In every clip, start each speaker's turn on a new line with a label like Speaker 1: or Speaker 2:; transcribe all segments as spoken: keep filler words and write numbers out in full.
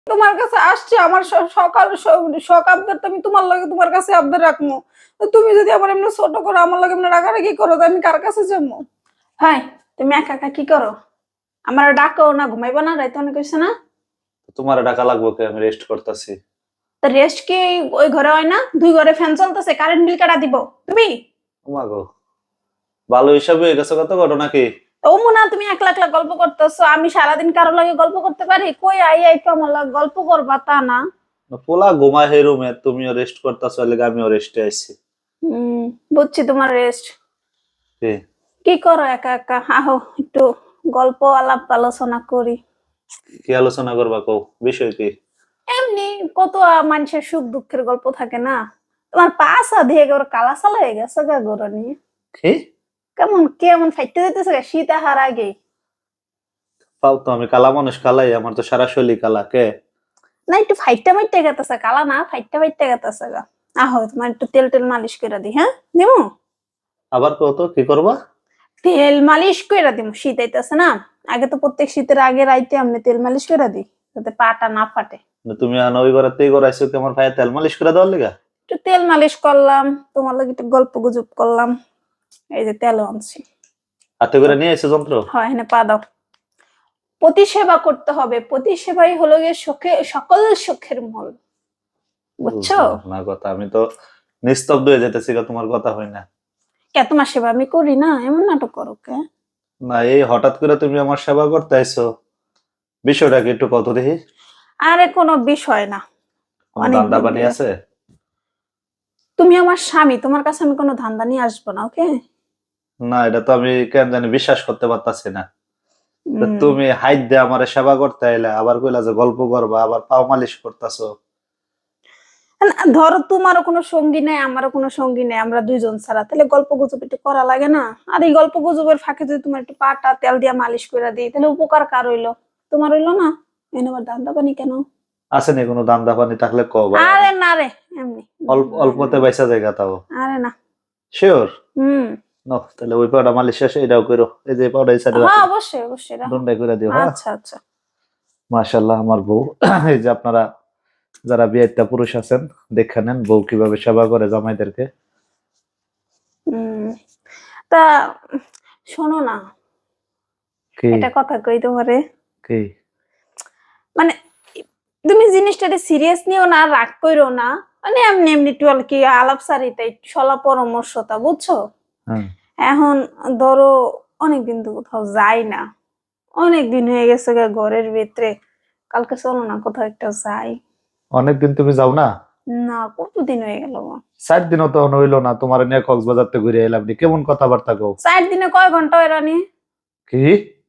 Speaker 1: তোমার কাছে আসছি আমার সকাল শখ আবদার তো আমি তোমার লাগে তোমার কাছে আবদার রাখবো। তুমি যদি আমার এমনি ছোট করো আমার লাগে এমনি রাগারাগি করো তো আমি কার কাছে যাবো? হাই, তুমি একা একা কি করো? আমার ডাকো না, ঘুমাইবো না? রাইতে অনেক হয়েছে না?
Speaker 2: তোমার টাকা লাগবে কে? আমি রেস্ট করতেছি।
Speaker 1: তা রেস্ট কি ওই ঘরে হয় না? দুই ঘরে ফ্যান চলতেছে, কারেন্ট বিল কাটা দিব তুমি?
Speaker 2: ওমা গো, ভালো হিসাবে হয়ে গেছে কত ঘটনা কি?
Speaker 1: ও মুনা, তুমি একলা একলা গল্প করতেছো, আমি সারাদিন কারো লাগে গল্প করতে পারি? কই আই আই তো আমার লাগে গল্প করবা তা না।
Speaker 2: পোলা ঘুমায় হে রুমে, তুমিও রেস্ট করতেছো, লাগে আমিও রেস্টে আছি।
Speaker 1: হম, বুঝছি তোমার রেস্ট।
Speaker 2: কি
Speaker 1: কি করো একা একা? আহো একটু গল্প আলাপ আলোচনা করি।
Speaker 2: কি আলোচনা করবা কও, বিষয় কি?
Speaker 1: এমনি কত মানুষের সুখ দুঃখের গল্প থাকে না? তোমার পাশা দিয়ে ওর কালা সালা হয়ে গেছে গা গোড়া নিয়ে।
Speaker 2: কি
Speaker 1: কেমন কেমন ফাইটতে যেতেছে গা শীত আহার আগে।
Speaker 2: পাও তো, আমি কালা মানুষ কালাই, আমার তো সারা শৈলী কালা কে।
Speaker 1: না একটু ফাইটটা মাইটতে গেতেছে, কালা না ফাইটটা ফাইটতে গেতেছে গা। আহো তোমার একটু তেল টেল মালিশ করে দি, হ্যাঁ দিমু?
Speaker 2: আবার কও তো কি করবা?
Speaker 1: তেল মালিশ করে দিমু, শীত আইতেছে না। আগে তো প্রত্যেক শীতের আগে রাইতে আমি তেল মালিশ করে দিই, যাতে পাটা না ফাটে।
Speaker 2: তুমি আনো ওই ঘরেতেই করাইছো কি আমার ভাইয়া তেল মালিশ করে দেওয়ার লিগা?
Speaker 1: একটু তেল মালিশ করলাম, তোমার লাগে একটু গল্প গুজব করলাম। এই যে তেল আনছি।
Speaker 2: হাতে করে নিয়ে এসে যন্ত্র?
Speaker 1: হয় এখানে পা দাও। প্রতি সেবা করতে হবে, প্রতি সেবাই হলো গিয়ে সুখে সকল সুখের মূল, বুঝছো?
Speaker 2: না কথা, আমি তো নিস্তব্ধ হয়ে যেতেছি, তোমার কথা হয় না।
Speaker 1: কে তোমার সেবা আমি করি না? এমন নাটক করো কে?
Speaker 2: না, এই হঠাৎ করে তুমি আমার সেবা করতে আইছো, বিষয়টা কি একটু কত দেখি।
Speaker 1: আরে কোনো বিষয় না।
Speaker 2: কোনো
Speaker 1: অনেক
Speaker 2: ধান্দা
Speaker 1: দিন
Speaker 2: পানি
Speaker 1: ধরে
Speaker 2: আছে?
Speaker 1: তুমি আমার স্বামী, তোমার কাছে আমি কোনো ধান্দা নিয়ে আসবো না, ওকে?
Speaker 2: না, এটা তো আমি কেন জানি বিশ্বাস করতে পারতাছি না। তা
Speaker 1: উম,
Speaker 2: তুমি হাইট দিয়ে আমার সেবা করতে আইলা, আবার কইলা যে গল্প করবা, আবার পাও মালিশ করতেছো।
Speaker 1: না, ধরো তোমারও কোনো সঙ্গী নেই আমারও কোনো সঙ্গী নেই, আমরা দুইজন ছাড়া, তাহলে গল্প গুজব একটু করা লাগে না? আর এই গল্প গুজবের ফাঁকে যদি তোমার একটু পাটা তেল দিয়া মালিশ করে দিই, তাহলে উপকার কার হইলো? তোমার হইলো না? এনে আবার ধান্দা পানি কেন?
Speaker 2: আছে নি কোনো ধান্দা পানি? থাকলে কও ভাই,
Speaker 1: আরে
Speaker 2: আমি
Speaker 1: না রে, এমনি।
Speaker 2: অল্প
Speaker 1: না,
Speaker 2: অল্পতে বাইসা জায়গা তাও।
Speaker 1: আরে না।
Speaker 2: শিওর?
Speaker 1: হুম।
Speaker 2: নো, তাহলে ওই পাউডার মালিশ শেষে এটাও করো, এই যে পাউডার এই সাইডে
Speaker 1: হ্যাঁ
Speaker 2: রাখো,
Speaker 1: অবশ্যই অবশ্যই রাখো।
Speaker 2: দন্ডাই করে দিও। হ্যাঁ,
Speaker 1: আচ্ছা আচ্ছা।
Speaker 2: মাশাআল্লাহ আমার বউ। এই যে আপনারা যারা বিয়েটা পুরুষ আছেন, দেখে নেন বউ কিভাবে সেবা করে জামাইদেরকে।
Speaker 1: উম তা শোনো না,
Speaker 2: কি
Speaker 1: এটা কথা কই তোমারে।
Speaker 2: কি
Speaker 1: মানে তুমি জিনিসটাকে সিরিয়াস নিও না, রাগ কইরো না। মানে এমনি এমনি একটু আর কি আলাপ সারিতে একটু সলা পরামর্শতা, বুঝছো?
Speaker 2: হ্যাঁ,
Speaker 1: এখন ধরো অনেকদিন তো কোথাও যাই না, অনেক দিন হয়ে গেছে গা ঘরের ভিতরে। কালকে চলো না কোথাও একটা যাই।
Speaker 2: অনেকদিন তুমি যাও না?
Speaker 1: না, কতদিন হয়ে গেল গো।
Speaker 2: চার দিনও তো হইলো না, তোমার নিয়ে কক্সবাজার থেকে ঘুরে এলাম নি, কেমন কথাবার্তা কও?
Speaker 1: চার দিনে কয় ঘন্টা হয় রানী?
Speaker 2: কি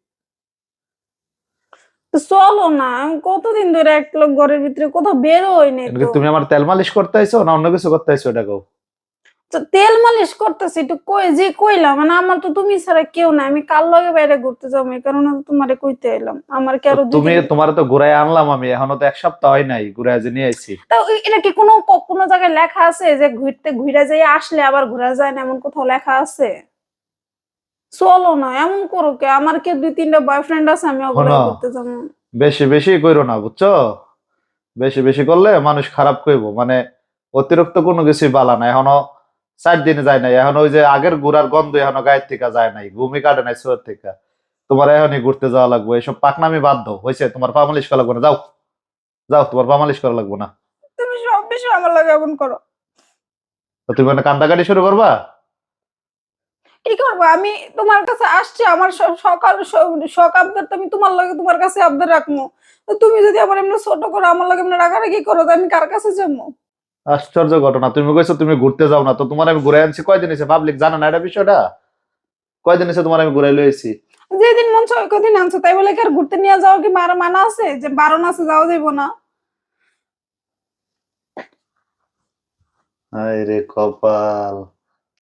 Speaker 1: তো চলো না, আমি কতদিন ধরে এক লোক ঘরের ভিতরে কোথাও বের হইনি
Speaker 2: এমনকি
Speaker 1: তো।
Speaker 2: তুমি আমার তেল মালিশ করতে আইছো না অন্য কিছু করতে আইছো এটা কও?
Speaker 1: তো তেল মালিশ করতেছি একটু, কই যে কইলাম, মানে আমার তো তুমি ছাড়া কেউ নাই, আমি কার লগে বাইরে ঘুরতে যাবো এই কারণে তো তোমারে কইতে এলাম। আমার কি
Speaker 2: তো
Speaker 1: আরো দুই
Speaker 2: তুমি,
Speaker 1: তিন
Speaker 2: তোমার তো ঘুরাই আনলাম আমি, এখনো তো এক সপ্তাহ হয় নাই, ঘুরাই যে নিয়ে আইছি।
Speaker 1: তা এটা কি কোনো ক- কোনো জায়গায় লেখা আছে যে ঘুরতে ঘুরে যাই আসলে আবার ঘুরা যায় না, এমন কোথাও লেখা আছে? চলো না, এমন করো কে? আমার কি দুই তিনটা বয়ফ্রেন্ড আছে, আমি ওগুলো
Speaker 2: শোনো,
Speaker 1: ঘুরতে যাবো?
Speaker 2: বেশি বেশি কইরো না বুঝছো? বেশি বেশি করলে মানুষ খারাপ কইবো, মানে অতিরিক্ত কোনো কিছুই বালা না। এখনো চার দিনে যায় নাই, এখন ওই যে আগের ঘুরার গন্ধ এখনো গায়ের থেকে যায় নাই, ঘুমি কাটে নাই শোয়ের থেকে। তোমার এখনই ঘুরতে যাওয়া লাগবে, এসব পাকনামি বাদ দাও, হয়েছে? তোমার পা মালিশ করা লাগবে না, যাও। যাও, তোমার পা মালিশ করা লাগবে না।
Speaker 1: তুমি সব বিষয় আমার লাগে এমন করো।
Speaker 2: তো তুমি মানে কান্দাকাটি শুরু করবা?
Speaker 1: কি করবো আমি? তোমার কাছে আসছি আমার স- সকাল স- শখ আবদার তো আমি তোমার লাগে তোমার কাছে আবদার রাখবো। তো তুমি যদি আমার এমনি ছোট করো আমার লাগে এমনি রাগারাগি করো তো আমি কার কাছে যাবো?
Speaker 2: আশ্চর্য ঘটনা, তুমি কইছো তুমি ঘুরতে যাও না, তো তোমার আমি ঘুরে আনছি কয়দিন হয়েছে? পাবলিক জানো না এটা বিষয়টা? কয়দিন হয়েছে তোমার আমি ঘুরাই লইছি?
Speaker 1: যেদিন মন চায় কদিন আনছো, তাই বলে কি আর ঘুরতে নিয়ে যাওয়া কি মারা মানা আছে যে বারণ আছে যাওয়া যাইবো না?
Speaker 2: হায় রে কপাল।